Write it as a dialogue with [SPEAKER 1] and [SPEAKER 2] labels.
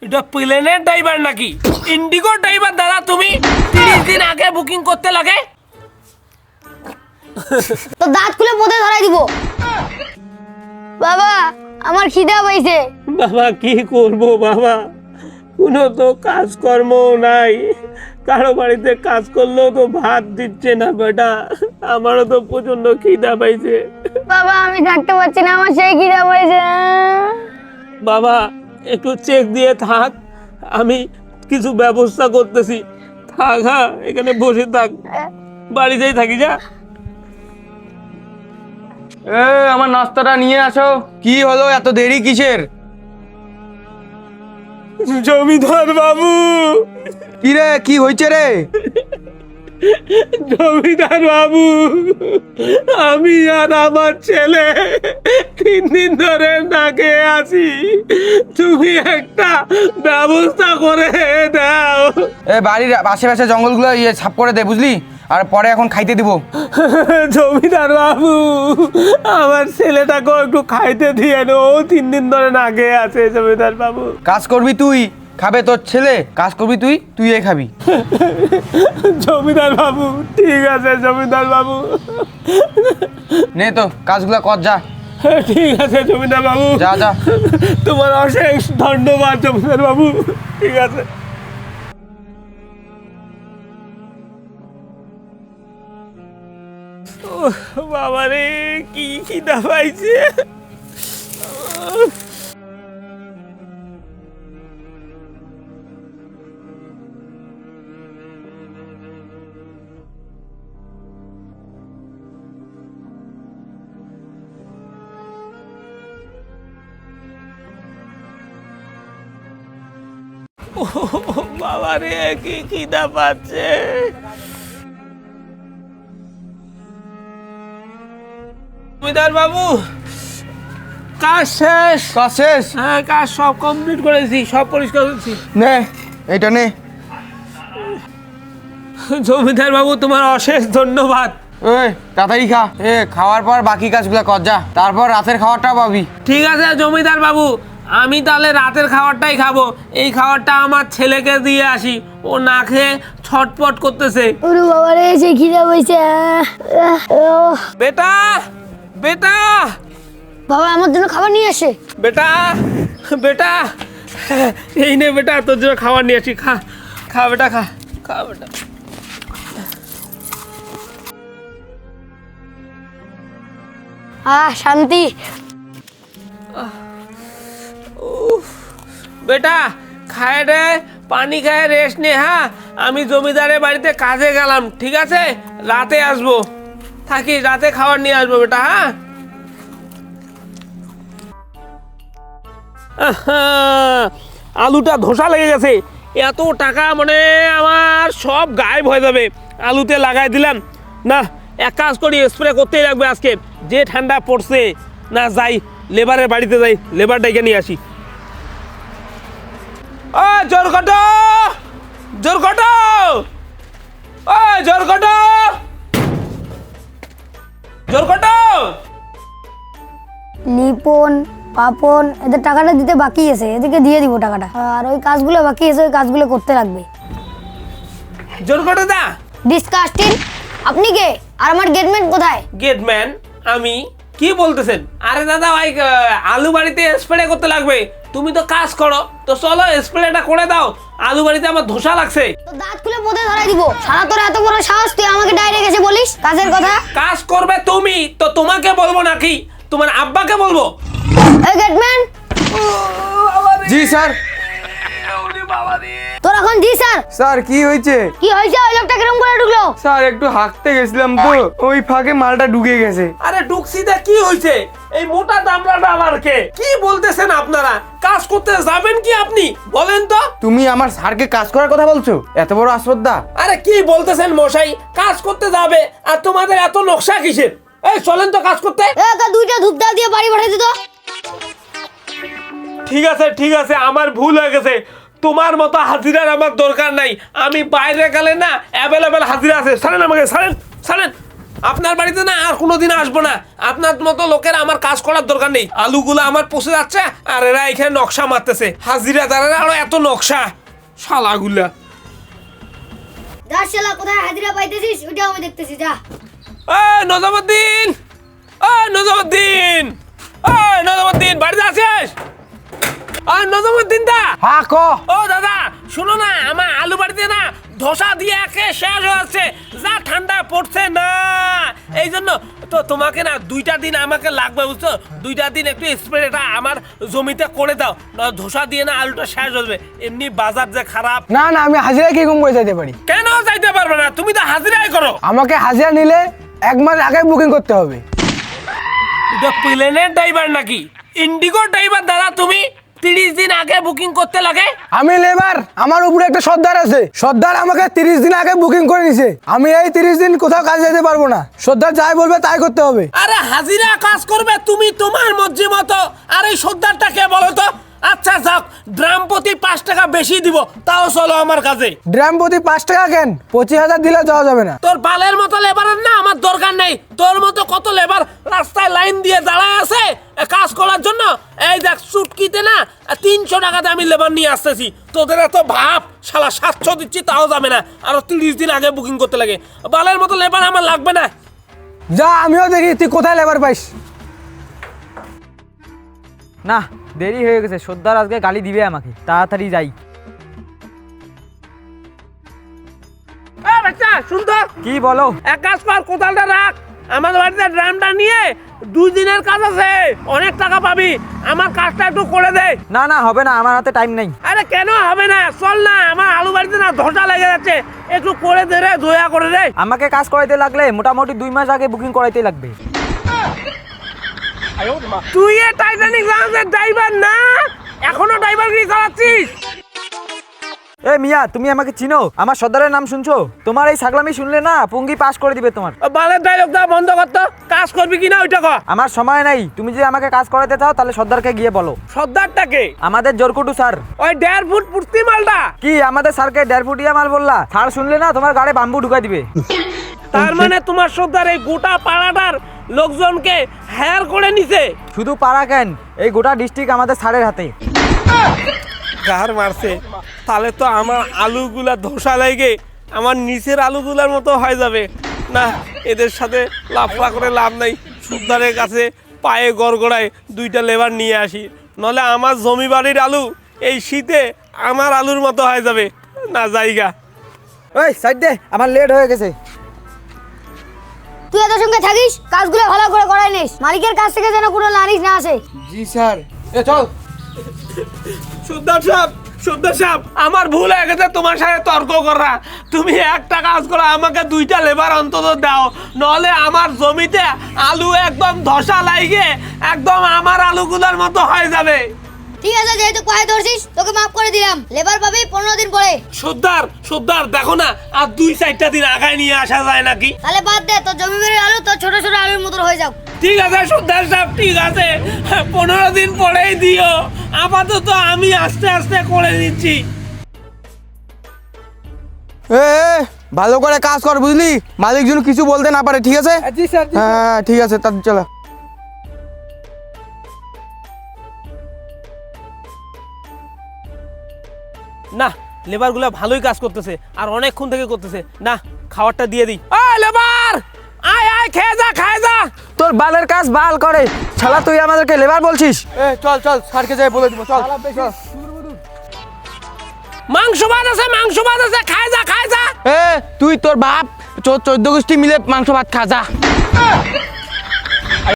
[SPEAKER 1] এটা প্লেনের ড্রাইভার নাকি ইন্ডিগো ড্রাইভার দাদা তুমি 30 দিন আগে বুকিং করতে লাগে
[SPEAKER 2] তো দাঁত খুলে পথে ধরাই দিব বাবা আমার খিদা পাইছে
[SPEAKER 1] বাবা কি করব বাবা কোনো তো কাজকর্ম নাই কারো বাড়িতে কাজ করলেও তো ভাত দিচ্ছে না বেটা আমারও তো প্রচন্ড খিদা পাইছে
[SPEAKER 2] বাবা আমি থাকতে পারছি না আমার সেই খিদা পাইছে
[SPEAKER 1] বাবা একটু চেক দিয়ে থাক আমি কিছু ব্যবস্থা করতেছি থাক হ্যাঁ এখানে বসে থাক বাড়িতেই থাকি যা
[SPEAKER 3] আমার নাস্তাটা নিয়ে আসো। কি হলো এত দেরি কিসের?
[SPEAKER 1] জমিদার বাবু
[SPEAKER 3] কি রে, কি হয়েছে রে?
[SPEAKER 1] জমিদার বাবু আমি আর আমার ছেলে 3 দিন ধরে না খেয়ে আছি তুমি একটা ব্যবস্থা করে দাও
[SPEAKER 3] বাড়ির আশেপাশে জঙ্গলগুলো সাফ করে দে বুঝলি, আর পরে এখন খাইতে দিব।
[SPEAKER 1] জমিদার বাবু আমার ছেলেটাকেও একটু খাইতে দিয়ে ও 3 দিন ধরে না খেয়ে আছে জমিদার বাবু
[SPEAKER 3] কাজ করবি তুই, খাবে তোর ছেলে, কাজ করবি তুই এই খাবি।
[SPEAKER 1] জমিদার বাবু ঠিক আছে জমিদার বাবু
[SPEAKER 3] নে তো কাজগুলো কর যা।
[SPEAKER 1] ঠিক আছে জমিদার বাবু
[SPEAKER 3] যা যা।
[SPEAKER 1] তোমার অশেষ ধন্যবাদ জমিদার বাবু ঠিক আছে বাবা রে কি খিদা পাইছে বাবা রে কি খিদা পাচ্ছে জমিদার বাবু কাজ শেষ
[SPEAKER 3] কাজ শেষ?
[SPEAKER 1] হ্যাঁ কাজ সব কমপ্লিট করেছি সব পরিষ্কার করেছি
[SPEAKER 3] নে এইটা নে।
[SPEAKER 1] জমিদার বাবু তোমার অশেষ ধন্যবাদ
[SPEAKER 3] ওই তাড়াতাড়ি খা, খাওয়ার পর বাকি কাজগুলো কর যা, তারপর রাতের খাওয়ারটা পাবি।
[SPEAKER 1] ঠিক আছে জমিদার বাবু আমি তাহলে রাতের খাবারটাই খাবো এই খাবারটা আমার ছেলেকে দিয়ে আসি ও না খেয়ে ছটপট করতেছে
[SPEAKER 2] ওরে বাবা রে সেই খিদা পাইছে
[SPEAKER 1] বেটা বেটা
[SPEAKER 2] বাবা আমার জন্য খাবার নিয়ে আসে
[SPEAKER 1] বেটা বেটা এই নে বেটা তোর জন্য খাবার নিয়ে আসি খা খা বেটা খা খা বেটা
[SPEAKER 2] শান্তি
[SPEAKER 1] বেটা খায় রে পানি খায় রেস্ট নে হ্যাঁ আমি জমিদারের বাড়িতে কাজে গেলাম ঠিক আছে রাতে আসবো থাকি রাতে খাবার নিয়ে আসবো বেটা হ্যাঁ আলুটা ধোসা লেগে গেছে এত টাকা মানে আমার সব গায়েব হয়ে যাবে আলুতে লাগাই দিলাম না এক কাজ করি স্প্রে করতেই লাগবে আজকে যে ঠান্ডা পড়ছে না যাই লেবারের বাড়িতে যাই লেবার ডেকে নিয়ে আসি ও জোর কটো জোর কটো ও জোর কটো জোর কটো
[SPEAKER 2] লিপন পাপন এদের টাকাটা দিতে বাকি আছে এদিকে দিয়ে দিব টাকাটা আর ওই কাজগুলো বাকি আছে ওই কাজগুলো করতে লাগবে
[SPEAKER 1] জোর কটো দা
[SPEAKER 2] ডিসকাস্টিং আপনি কে আর আমার গেটম্যান কোথায়
[SPEAKER 1] গেটম্যান আমি কি বলতেছেন আরে দাদা ভাই আলু বাড়িতে স্প্রে করতে লাগবে তুমি তো কাজ করো তো চলো স্প্রেটা করে দাও আলু বাড়িতে আমার ধোসা লাগছে
[SPEAKER 2] তো দাঁত খুলে পথে ধরাই দিব সারা তোর এত বড় সাহস তুই আমাকে ডাইরেক্ট এসে বলিস কাজের কথা
[SPEAKER 1] কাজ করবে তুমি তো তোমাকে বলবো নাকি তোমার আব্বাকে বলবো
[SPEAKER 2] এই গেটম্যান
[SPEAKER 3] জি স্যার।
[SPEAKER 2] তোর এখন জি স্যার
[SPEAKER 3] স্যার কি হয়েছে?
[SPEAKER 2] কি হয়েছে ওই লোকটা কিরকম করে ঢুকলো
[SPEAKER 3] স্যার একটু হাঁকতে গেছিলাম তো ওই ফাঁকে মালটা ঢুকে গেছে।
[SPEAKER 1] আরে ডুকসিদা কি হয়েছে এই মোটা দামড়াটা আবার কে কি বলতেছেন আপনারা কাজ করতে যাবেন কি আপনি বলেন তো
[SPEAKER 3] তুমি আমার স্যারকে কাজ করার কথা বলছো? এত বড় আশ্রদ্ধা!
[SPEAKER 1] আরে কি বলতেছেন মশাই কাজ করতে যাবে আর তোমাদের এত নকশা কিসের এই চলেন তো কাজ করতে
[SPEAKER 2] একা দুইটা ধূপদা দিয়ে বাড়ি পাঠাই দিত
[SPEAKER 1] ঠিক আছে আমার ভুল হয়ে গেছে তোমার মতো হাজিরার আমার দরকার নাই আমি বাইরে গেলে না অ্যাভেলেবেল হাজিরা আছে ছাড়েন আমাকে ছাড়েন ছাড়েন আপনার বাড়িতে না আর কোনোদিন আসবো না। আপনার মতো লোকের আমার কাজ করার দরকার নেই। আলুগুলো আমার পচে যাচ্ছে আর এরা এখানে নকশা মারতেছে, হাজিরা দাঁড়ালে আরো এত নকশা, শালাগুলা।
[SPEAKER 2] যা শালা, কোথায় হাজিরা পাইতেছিস ওটা আমি দেখতেছি, যা।
[SPEAKER 1] নজমুদ্দিন, নজমুদ্দিন, নজমুদ্দিন, বাড়িতে আছিস? নজমুদ্দিন দা।
[SPEAKER 3] হ্যাঁ ক।
[SPEAKER 1] ও দাদা শুনো না, আমার আলু বাড়িতে না ধোসা দিয়ে একে শেষ হয়ে যাচ্ছে, যা ঠান্ডা পড়ছে না, এই জন্য তো তোমাকে না 2টা দিন আমাকে লাগবে, বুঝছো? 2টা দিন একটু স্প্রেটা আমার জমিতে করে দাও, না ধোসা দিয়ে না আলুটা শেষ হয়ে যাবে। এমনি বাজার যে খারাপ।
[SPEAKER 3] না না, আমি হাজিরা কি কম করে যেতে পারি?
[SPEAKER 1] কেন যাইতে পারবে না? তুমি তো হাজিরাই করো।
[SPEAKER 3] আমাকে হাজিরা নিলে 1 মাস আগে বুকিং করতে হবে।
[SPEAKER 1] এটা প্লেনের ড্রাইভার নাকি ইন্ডিগো ড্রাইভার দাদা? তুমি 30 দিন আগে বুকিং করতে লাগে?
[SPEAKER 3] আমি লেবার, আমার উপরে একটা সর্দার আছে, সর্দার আমাকে 30 দিন আগে বুকিং করে নিছে। আমি এই 30 দিন কোথাও কাজ যেতে পারবো না, সর্দার যাই বলবে তাই করতে হবে।
[SPEAKER 1] আরে হাজিরা কাজ করবে তুমি তোমার মর্জি মতো, আর এই সর্দারটা কে বলো তো? আচ্ছা যাক, ড্রাম প্রতি 5 টাকা বেশি দিব, তাও চলো আমার কাছে।
[SPEAKER 3] ড্রাম প্রতি 5 টাকা কেন? 25,000 দিলে যাওয়া যাবে না?
[SPEAKER 1] তোর বালের মতো লেবারের না আমার দরকার নেই। তোর মতো কত লেবার রাস্তায় লাইন দিয়ে দাঁড়ায় আছে কাজ করার জন্য। এই দেখ চুটকিতে না 300 টাকাতে আমি লেবার নিয়ে আসতেছি, তোদের এত ভাব, শালা 700 দিচ্ছি তাও যাবে না, আরো 30 দিন আগে বুকিং করতে লাগে। বালের মতো লেবার আমার লাগবে না।
[SPEAKER 3] যা, আমিও দেখি তুই কোথায় লেবার পাইস।
[SPEAKER 4] না, দেরি হয়ে গেছে, সর্দার আজকে গালি দিবে আমাকে, তাড়াতাড়ি যাই।
[SPEAKER 1] বাচ্চা শুনতো,
[SPEAKER 4] কি বলো?
[SPEAKER 1] এক কাজ কর, কোদালটা রাখ, আমার বাড়িতে ড্রামটা নিয়ে 2 দিনের কাজ আছে, অনেক টাকা পাবি, আমার কাজটা একটু করে দে।
[SPEAKER 4] না না, হবে না, আমার হাতে টাইম নেই।
[SPEAKER 1] আরে কেন হবে না? চল না, আমার আলু বাড়িতে না ধসা লেগে যাচ্ছে, একটু করে দে রে, দয়া করে রে।
[SPEAKER 4] আমাকে কাজ করাইতে লাগলে মোটামুটি 2 মাস আগে বুকিং করাইতে লাগবে।
[SPEAKER 1] তুই এ টাইটানিক লঞ্চের ড্রাইভার না? এখনো ড্রাইভারগিরি চালাচ্ছিস?
[SPEAKER 4] এ মিয়া, তুমি আমাকে চিনো? আমার সর্দারের নাম শুনছো? তোমার এই ছাগলামি শুনলে না পুঙ্গি পাস করে দিবে তোমার।
[SPEAKER 1] বালের ডায়লগটা বন্ধ করতো, কাজ করবি কিনা ওইটা কর।
[SPEAKER 4] আমার সময় নাই, তুমি যদি আমাকে কাজ করাতে চাও তাহলে সর্দারকে গিয়ে বলো।
[SPEAKER 1] সর্দারটাকে?
[SPEAKER 4] আমাদের জোরকুটু স্যার।
[SPEAKER 1] ওই 1.5 ফুট পুর্তি মালটা?
[SPEAKER 4] কি আমাদের স্যারকে 1.5 ফুটিয়া মাল বললা? স্যার শুনলে না তোমার গাড়ি বাম্বু ঢুকাই দিবে।
[SPEAKER 1] তার মানে তোমার সর্দার এই গোটা পাড়াটার লোকজনকে হায়ার করে নিছে?
[SPEAKER 4] শুধু পাড়া কেন, এই গোটা ডিস্ট্রিক্ট আমাদের স্যারের হাতে।
[SPEAKER 1] গার মারছে, তাহলে তো আমার আলুগুলা ধসা লাগে আমার নিচের আলুগুলার মতো হয়ে যাবে। না, এদের সাথে লাফা করে লাভ নাই, সর্দারের কাছে পায়ে গড়গড়ায় 2টা লেবার নিয়ে আসি, নলে আমার জমি বাড়ির আলু এই শীতে আমার আলুর মতো হয়ে যাবে। না জায়গা।
[SPEAKER 4] ওই সাইড দে, আমার লেট হয়ে গেছে।
[SPEAKER 2] তুই এদের সঙ্গে থাকিস, কাজগুলো ভালো করে করাই নিস, মালিকের কাছ থেকে যেন কোনো নালিশ না আসে।
[SPEAKER 3] জি স্যার। এ চল।
[SPEAKER 1] সর্দার সাহেব, আমার ভুল হয়ে গেছে তোমার সাথে তর্ক করা। তুমি একটা কাজ করো, আমাকে 2টা লেবার অন্তত দাও, নলে আমার জমিতে আলু একদম ধসা লাগে, একদম আমার আলুগুলোর মতো হয়ে যাবে।
[SPEAKER 2] ঠিক আছে, যেহেতু পায়ে ধরছিস তোকে মাফ করে দিলাম, লেবার পাবি 15 দিন পরে।
[SPEAKER 1] সর্দার দেখো না, আর 2-4টা দিন আগায় নিয়ে আসা যায় নাকি?
[SPEAKER 2] তাহলে বাদ দে, তোর জমি বাড়ির আলু তোর ছোট ছোট আলুর মতো হয়ে যাও।
[SPEAKER 1] ঠিক আছে সর্দার সাহেব, ঠিক আছে, 15 দিন পরেই দিও, আপাতত আমি আস্তে আস্তে করে দিচ্ছি।
[SPEAKER 3] এ ভালো করে কাজ কর, বুঝলি? মালিক যেন কিছু বলতে না পারে, ঠিক আছে?
[SPEAKER 4] জি স্যার।
[SPEAKER 3] হ্যাঁ ঠিক আছে, তার চলো।
[SPEAKER 1] না, লেবারগুলো ভালোই কাজ করতেছে আর অনেকক্ষণ থেকে করতেছে। না, খাবারটা দিয়ে দিই। লেবার আয় আয়, খেয়ে যা।
[SPEAKER 4] তোর বালের কাজ বাল করে, শালা তুই আমাদেরকে লেবার বলছিস?
[SPEAKER 3] এ চল স্যারকে যাই বলে দিব, চল।
[SPEAKER 1] মাংস ভাত আছে, খায় যা।
[SPEAKER 3] এ তুই তোর বাপ 14 গোষ্ঠী মিলে মাংস ভাত খা, যা।